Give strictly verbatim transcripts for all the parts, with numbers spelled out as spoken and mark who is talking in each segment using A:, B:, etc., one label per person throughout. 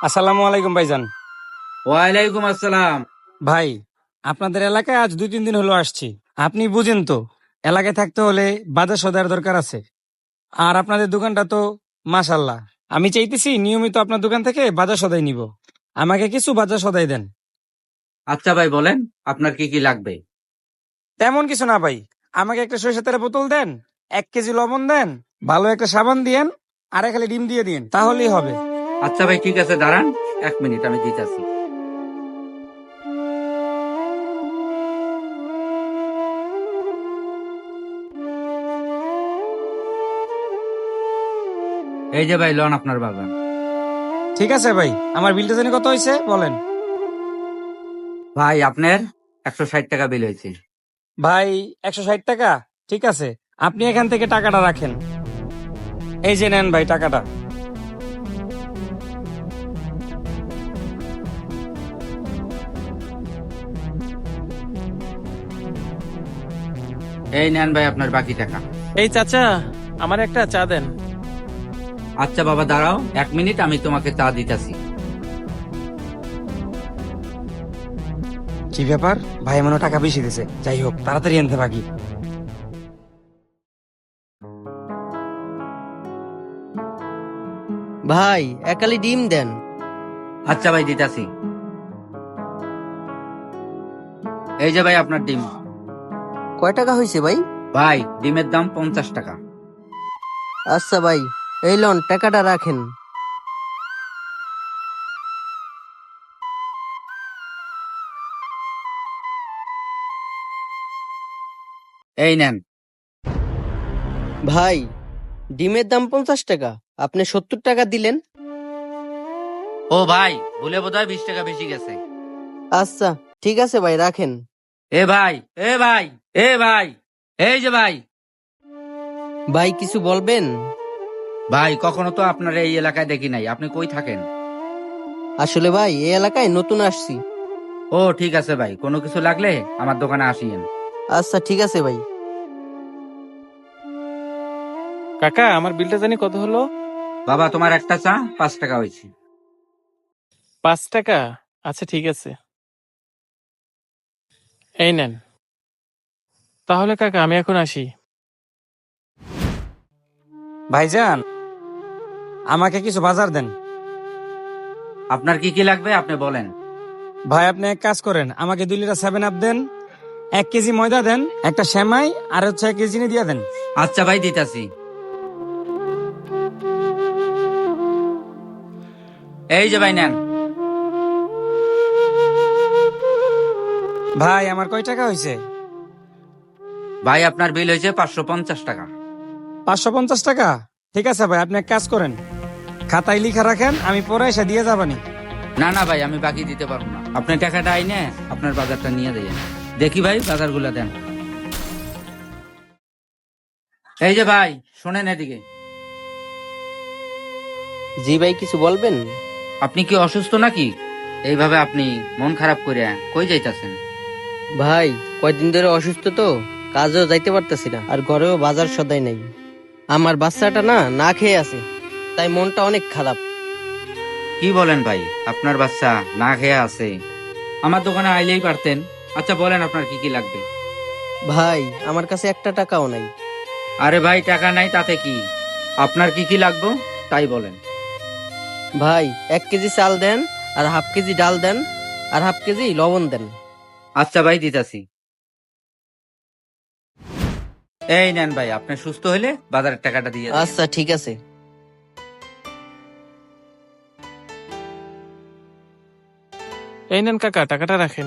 A: আসসালামু আলাইকুম ভাইজান।
B: ওয়ালাইকুম আসসালাম।
A: ভাই, আপনাদের এলাকায় আজ দুই তিন দিন হলো আসছি। আপনি বুঝেন তো, এলাকায় থাকতে হলে বাজার সদার দরকার আছে। আর আপনাদের দোকানটা তো মাশাল্লাহ। আমি চাইতেছি নিয়মিত আপনার দোকান থেকে বাজার সদাই নিব। আমাকে কিছু বাজার সদাই দেন।
B: আচ্ছা ভাই, বলেন আপনার কি কি লাগবে?
A: তেমন কিছু না ভাই, আমাকে একটা সরিষা তেলের বোতল দেন, এক কেজি লবণ দেন, ভালো একটা সাবান দিয়েন, আর খালি ডিম দিয়ে দিন, তাহলেই হবে।
B: আচ্ছা ভাই, ঠিক আছে, দাঁড়ান এক মিনিট, আমি দিতেছি। এই যে ভাই, লন আপনার বাগান।
A: ঠিক আছে ভাই, আমার বিলটা জানি কত হয়েছে বলেন।
B: ভাই আপনার একশো ষাট টাকা বিল হয়েছে।
A: ভাই, একশো ষাট টাকা? ঠিক আছে, আপনি এখান থেকে টাকাটা রাখেন। এই যে নেন ভাই টাকাটা।
B: এই নেন ভাই আপনার বাকি টাকা।
C: এই চাচা, আমার একটা চা দেন।
B: আচ্ছা বাবা, দাঁড়াও এক মিনিট, আমি তোমাকে চা দিতেছি।
A: কি ব্যাপার, ভাই মনে হয় টাকা বেশি দিছে। যাই হোক, তাড়াতাড়ি আনতে বাকি।
D: ভাই একালি ডিম দেন।
B: আচ্ছা ভাই, দিতাছি। এই যে ভাই আপনার ডিম।
D: কয় টাকা হয়েছে ভাই?
B: ভাই ডিমের দাম পঞ্চাশ টাকা।
D: আচ্ছা ভাই, এই লন টাকাটা রাখেন।
B: এই নেন।
D: ভাই, ডিমের দাম পঞ্চাশ টাকা, আপনি সত্তর টাকা দিলেন।
B: ও ভাই, ভুলে বোধহয় বিশ টাকা বেশি গেছে।
D: আচ্ছা ঠিক আছে ভাই, রাখেন।
B: এ ভাই, এ ভাই, এ ভাই, এই যে ভাই।
D: ভাই কিছু বলবেন?
B: ভাই কখনো তো আপনার এই এলাকায় দেখি নাই, আপনি কই থাকেন?
D: আসলে ভাই এই এলাকায় নতুন আসছি।
B: ও ঠিক আছে ভাই, কোনো কিছু লাগলে আমার দোকানে আসিয়েন।
D: আচ্ছা ঠিক আছে ভাই।
C: কাকা, আমার বিলটা জানি কত হলো?
B: বাবা তোমার একটা চা পাঁচ টাকা হয়েছে।
C: পাঁচ টাকা? আচ্ছা ঠিক আছে, এই নেন। তাহলে কাকা আমি এখন আসি।
A: ভাইজান, আমাকে কিছু বাজার দেন।
B: আপনার কি কি লাগবে আপনি বলেন।
A: ভাই, আপনি এক কাজ করেন, আমাকে দুই লিটার সেভেন আপ দেন, এক কেজি ময়দা দেন, একটা সেমাই, আর হচ্ছে এক কেজি চিনি দিয়ে দেন।
B: আচ্ছা ভাই, দিতাছি। এই যে ভাই নেন।
A: ভাই, আমার কয় টাকা হয়েছে?
B: ভাই আপনার বিল হয়েছে পাঁচশো পঞ্চাশ টাকা।
A: পাঁচশো পঞ্চাশ টাকা? ঠিক আছে ভাই, আপনি এক কাজ করেন, খাতায় লিখা রাখেন, আমি পরে এসে দিয়ে যাবানি।
B: না না ভাই, আমি বাকি দিতে পারবো না, আপনি টাকাটা আইনে আপনার বাজারটা নিয়ে দেন। দেখি ভাই বাজারগুলো দেন। এই যে ভাই শোনেন এদিকে।
D: জি ভাই, কিছু বলবেন?
B: আপনি কি অসুস্থ নাকি? এইভাবে আপনি মন খারাপ করে কই যাইতাছেন?
D: ভাই কয়দিন ধরে অসুস্থ তো, কাজেও যাইতে পারতেছি না, আর ঘরেও বাজার সদাই নাই। আমার বাচ্চাটা না না খেয়ে আছে, তাই মনটা অনেক খারাপ।
B: কি বলেন ভাই, আপনার বাচ্চা না খেয়ে আছে? আমার দোকানে আইলেই পারতেন। আচ্ছা বলেন আপনার কি কি লাগবে।
D: ভাই আমার কাছে একটা টাকাও নাই।
B: আরে ভাই, টাকা নাই তাতে কি, আপনার কি কি লাগবে তাই বলেন।
D: ভাই এক কেজি চাল দেন, আর হাফ কেজি ডাল দেন, আর হাফ কেজি লবণ দেন।
B: আচ্ছা ভাই, দিতাছি। এই নেন ভাই, আপনি সুস্থ হলে বাজারের টাকাটা দিয়ে দিন।
D: আচ্ছা ঠিক আছে।
C: এই নেন কাকা, টাকাটা রাখেন।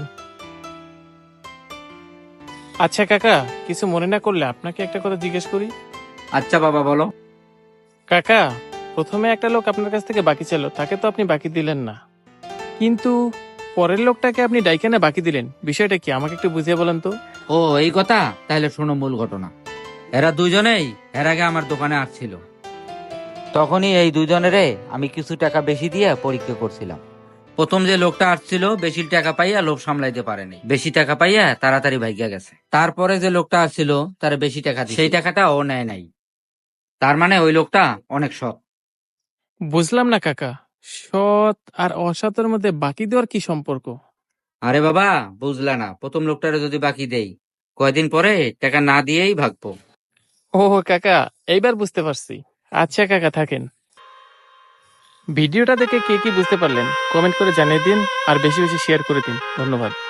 C: আচ্ছা কাকা, কিছু মনে না করলে আপনাকে একটা কথা জিজ্ঞেস করি।
B: আচ্ছা বাবা বলো।
C: কাকা, প্রথমে একটা লোক আপনার কাছ থেকে বাকি ছিল, তাকে তো আপনি বাকি দিলেন না, কিন্তু পরের লোকটাকে আপনি ডাইকেনে বাকি দিলেন, বিষয়টা কি আমাকে একটু বুঝিয়ে বলেন তো।
B: ও এই কথা, তাহলে শোনো মূল ঘটনা। এরা দুজনেই এর আগে আমার দোকানে আসছিল। তখনই এই দুজনেরে আমি কিছু টাকা বেশি দিয়ে পরীক্ষা করছিলাম। প্রথম যে লোকটা আসছিল বেশি টাকা পাইয়া লোভ সামলাইতে পারেনি, বেশি টাকা পাইয়া তাড়াতাড়ি ভাইগা গেছে। তারপরে যে লোকটা আসছিল তার বেশি টাকা দিছি, সেই টাকাটা ও নেয় নাই। তার মানে ওই লোকটা অনেক সৎ।
C: বুঝলাম না কাকা, সৎ আর অসতের মধ্যে বাকি দেওয়ার কি সম্পর্ক?
B: আরে বাবা, বুঝলা না? প্রথম লোকটারে যদি বাকি দেই, কয়দিন পরে টাকা না দিয়েই ভাগবো।
C: ও কাকা, এইবার বুঝতে পারছি। আচ্ছা কাকা, থাকেন। ভিডিওটা দেখে কে কি বুঝতে পারলেন কমেন্ট করে জানিয়ে দিন, আর বেশি বেশি শেয়ার করে দিন। ধন্যবাদ।